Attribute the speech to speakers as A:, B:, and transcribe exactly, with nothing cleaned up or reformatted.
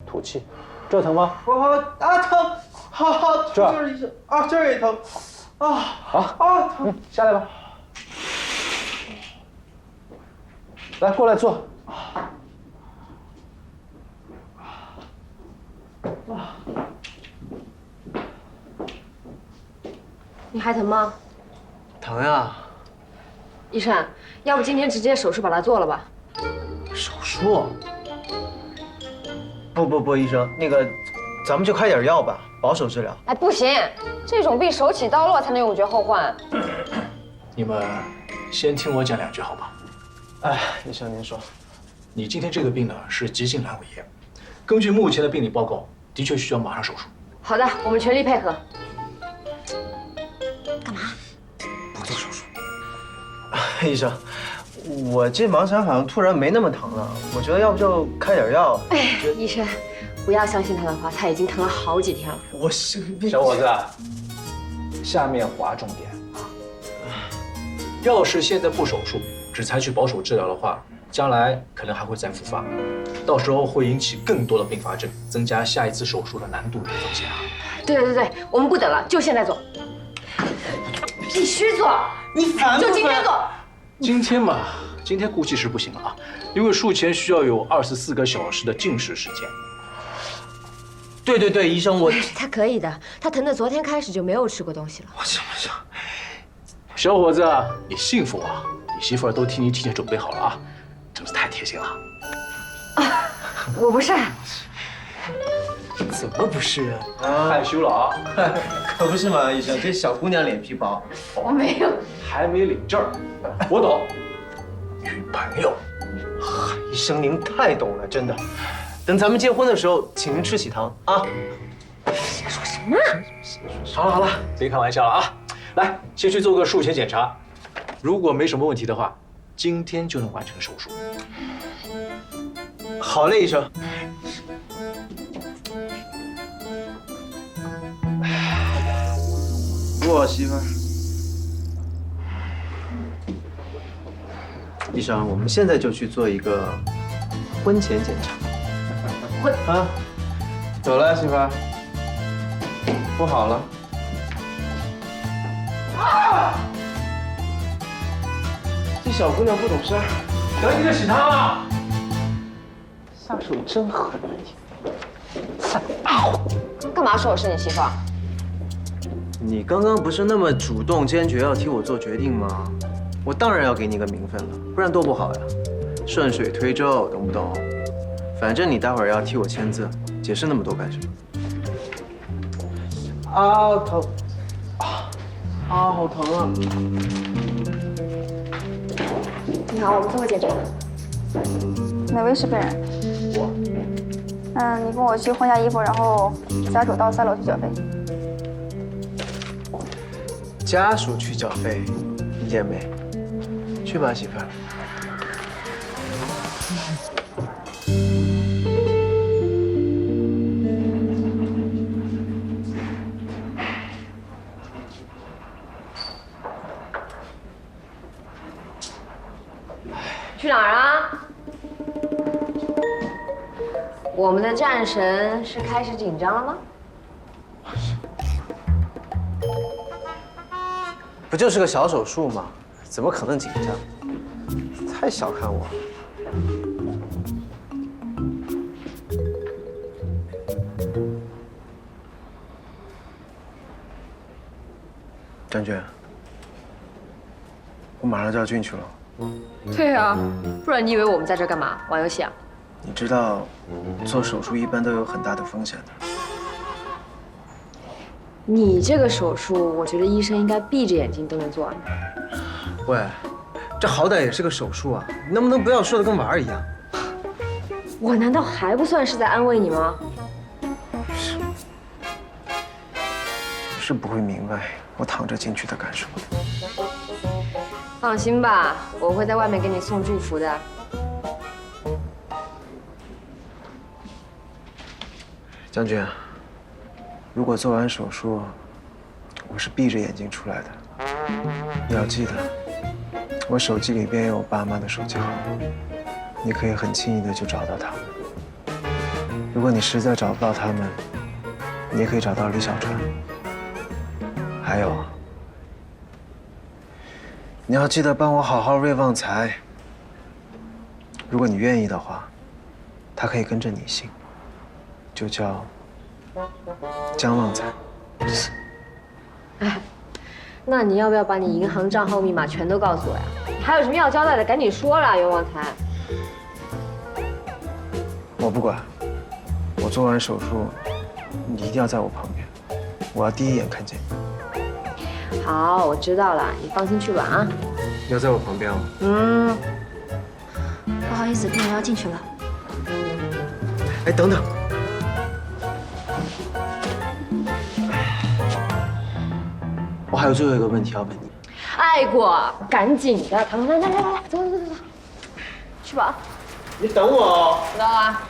A: 吐气。这疼吗？
B: 我好啊疼，好好
A: 这儿
B: 就是医生啊，这儿也疼，啊
A: 好
B: 啊疼，
A: 嗯，下来吧。来，过来坐。
C: 你还疼吗？
B: 疼呀！
C: 医生，要不今天直接手术把它做了吧？
B: 手术？不不不，医生，那个，咱们就开点药吧，保守治疗。
C: 哎，不行，这种病手起刀落才能永绝后患。
D: 你们先听我讲两句好吧？
B: 哎，医生您说，
D: 你今天这个病呢是急性阑尾炎，根据目前的病理报告，的确需要马上手术。
C: 好的，我们全力配合。
B: 不做手术。医生，我这盲肠好像突然没那么疼了，我觉得要不就开点药。
C: 哎，医生，不要相信他的话，他已经疼了好几天了。
B: 我是
A: 小伙子，下面划重点。
D: 要是现在不手术，只采取保守治疗的话，将来可能还会再复发，到时候会引起更多的并发症，增加下一次手术的难度与风险啊。
C: 对对对，我们不等了，就现在做。必须做，
B: 你烦不烦？
C: 就今天做。
D: 今天嘛，今天估计是不行了啊，因为术前需要有二十四个小时的静识时间。
B: 对对对，医生，我
C: 他可以的，他疼的昨天开始就没有吃过东西了。
B: 我行不行？
D: 小伙子，你幸福啊！你媳妇儿都替你提前准备好了啊，真是太贴心了。
C: 啊，我不是。
B: 怎么不是啊？
D: 害羞了啊？
B: 可不是嘛，医生，这小姑娘脸皮薄。
C: 我没有。
D: 还没领证儿，我懂。女朋友，
B: 医生您太懂了，真的。等咱们结婚的时候，请您吃喜糖啊。
C: 说什么？
D: 好了好了，别开玩笑了啊！来，先去做个术前检查，如果没什么问题的话，今天就能完成手术。
B: 好嘞，医生。我媳妇儿。医生，我们现在就去做一个婚前检查。
C: 婚
B: 啊，走了，媳妇儿。不好了。啊！这小姑娘不懂事儿，
D: 等你的喜糖啊！
B: 下手真狠啊你！
C: 干嘛说我是你媳妇儿？
B: 你刚刚不是那么主动坚决要替我做决定吗？我当然要给你个名分了，不然多不好呀！顺水推舟，懂不懂？反正你待会儿要替我签字，解释那么多干什么？啊，疼！啊啊，好疼啊！
C: 你好，我们做个检查。
E: 哪位是病人？我。嗯，你跟我去换下衣服，然后家属到三楼去缴费。
B: 家属去缴费，理解没？去吧，媳妇儿。
C: 去哪儿啊？我们的战神是开始紧张了吗？
B: 不就是个小手术吗？怎么可能紧张？太小看我了。张娟，我马上就要进去了。
C: 对啊，不然你以为我们在这干嘛？玩游戏啊？
B: 你知道，做手术一般都有很大的风险的。
C: 你这个手术，我觉得医生应该闭着眼睛都能做完。
B: 喂，这好歹也是个手术啊，你能不能不要说的跟玩儿一样？
C: 我难道还不算是在安慰你吗？
B: 你是不会明白我躺着进去的感受。
C: 放心吧，我会在外面给你送祝福的。
B: 将军，如果做完手术，我是闭着眼睛出来的，你要记得，我手机里边有我爸妈的手机号，你可以很轻易的就找到他们。 如果你实在找不到他们，你也可以找到李小川。还有，你要记得帮我好好瑞旺财。如果你愿意的话，他可以跟着你姓，就叫江旺财。
C: 哎，那你要不要把你银行账号密码全都告诉我呀？还有什么要交代的，赶紧说啦，袁旺财。
B: 我不管，我做完手术，你一定要在我旁边，我要第一眼看见你。
C: 好，我知道了，你放心去吧啊。
B: 你要在我旁边哦。
C: 嗯。
E: 不好意思，病人要进去了。
B: 哎，等等。我还有最后一个问题要问你。
C: 爱过，赶紧的，来来来来来，走走走走，去吧。
B: 你等我哦。
C: 知道啊。